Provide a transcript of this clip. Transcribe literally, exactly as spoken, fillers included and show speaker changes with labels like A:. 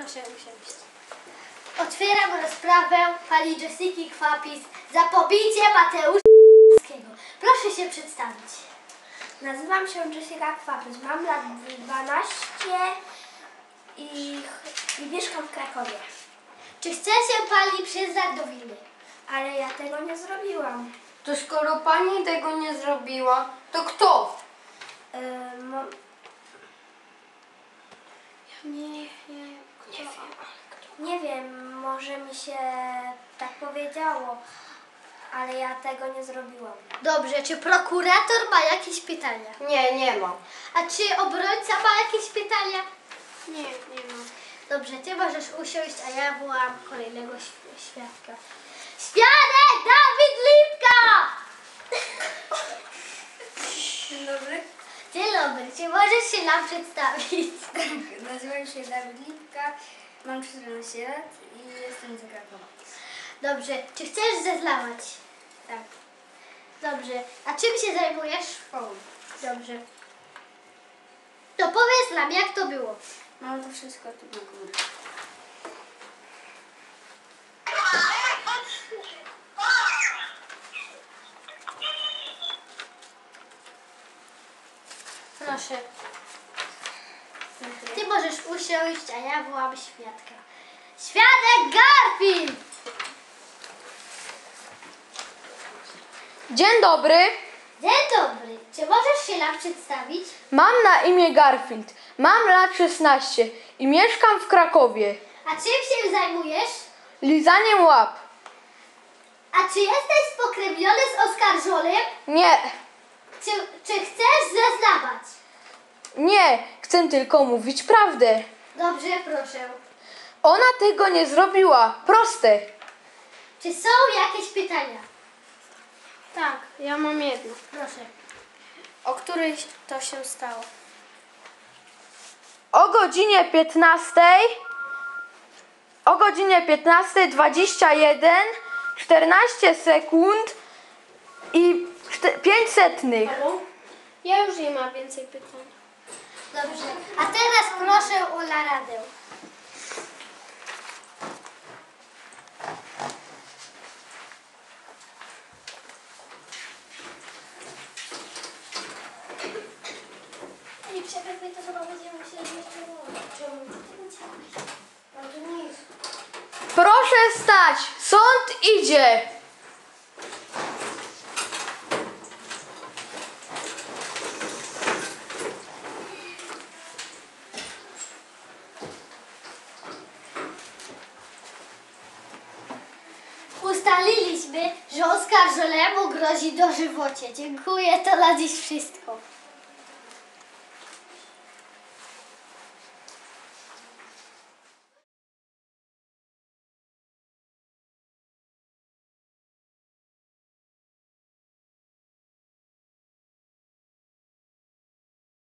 A: Proszę usiąść.
B: Otwieram rozprawę pani Jessiki Kwapis za pobicie Mateusza. Proszę się przedstawić.
A: Nazywam się Jessica Kwapis, mam lat dwanaście i, i mieszkam w Krakowie.
B: Czy chce się pani przyznać do winy?
A: Ale ja tego nie zrobiłam.
C: To skoro pani tego nie zrobiła, to kto?
A: Yy, mo... Nie, nie, nie wiem. Nie wiem, może mi się tak powiedziało, ale ja tego nie zrobiłam.
B: Dobrze, czy prokurator ma jakieś pytania?
C: Nie, nie ma.
B: A czy obrońca ma jakieś pytania?
A: Nie, nie mam.
B: Dobrze, ty możesz usiąść, a ja wołam kolejnego świ- świadka. Świadek Dawid Lipka!
A: Dzień dobry.
B: Dzień dobry, czy możesz się nam przedstawić?
A: Nazywam się Dawid Lipka, mam czternaście lat i jestem z Krakowa.
B: Dobrze, czy chcesz zeznawać?
A: Tak.
B: Dobrze, a czym się zajmujesz?
A: Szkołą.
B: Dobrze. To powiedz nam, jak to było.
A: Mam to wszystko tu na górze.
B: Proszę. Ty możesz usiąść, a ja wołam świadka. Świadek Garfield!
C: Dzień dobry.
B: Dzień dobry. Czy możesz się nam przedstawić?
C: Mam na imię Garfield. Mam lat szesnaście i mieszkam w Krakowie.
B: A czym się zajmujesz?
C: Lizaniem łap.
B: A czy jesteś spokrewniony z oskarżonym?
C: Nie,
B: Czy, czy chcesz zeznawać?
C: nie, chcę tylko mówić prawdę.
B: Dobrze, proszę.
C: Ona tego nie zrobiła. Proste.
B: Czy są jakieś pytania?
A: Tak, ja mam jedno.
B: Proszę.
A: O której to się stało?
C: O godzinie piętnastej, o godzinie piętnastej dwadzieścia jeden, czternaście sekund i pięć setnych.
A: Ja już nie mam więcej pytań.
B: Dobrze. A teraz proszę o naradę.
A: Nie przerywaj, to chyba będziemy musieli jeszcze mówić. Czemu? No to nic.
C: Proszę stać, sąd idzie.
B: Ustaliliśmy, że oskarżonemu grozi dożywocie. Dziękuję, to na dziś wszystko.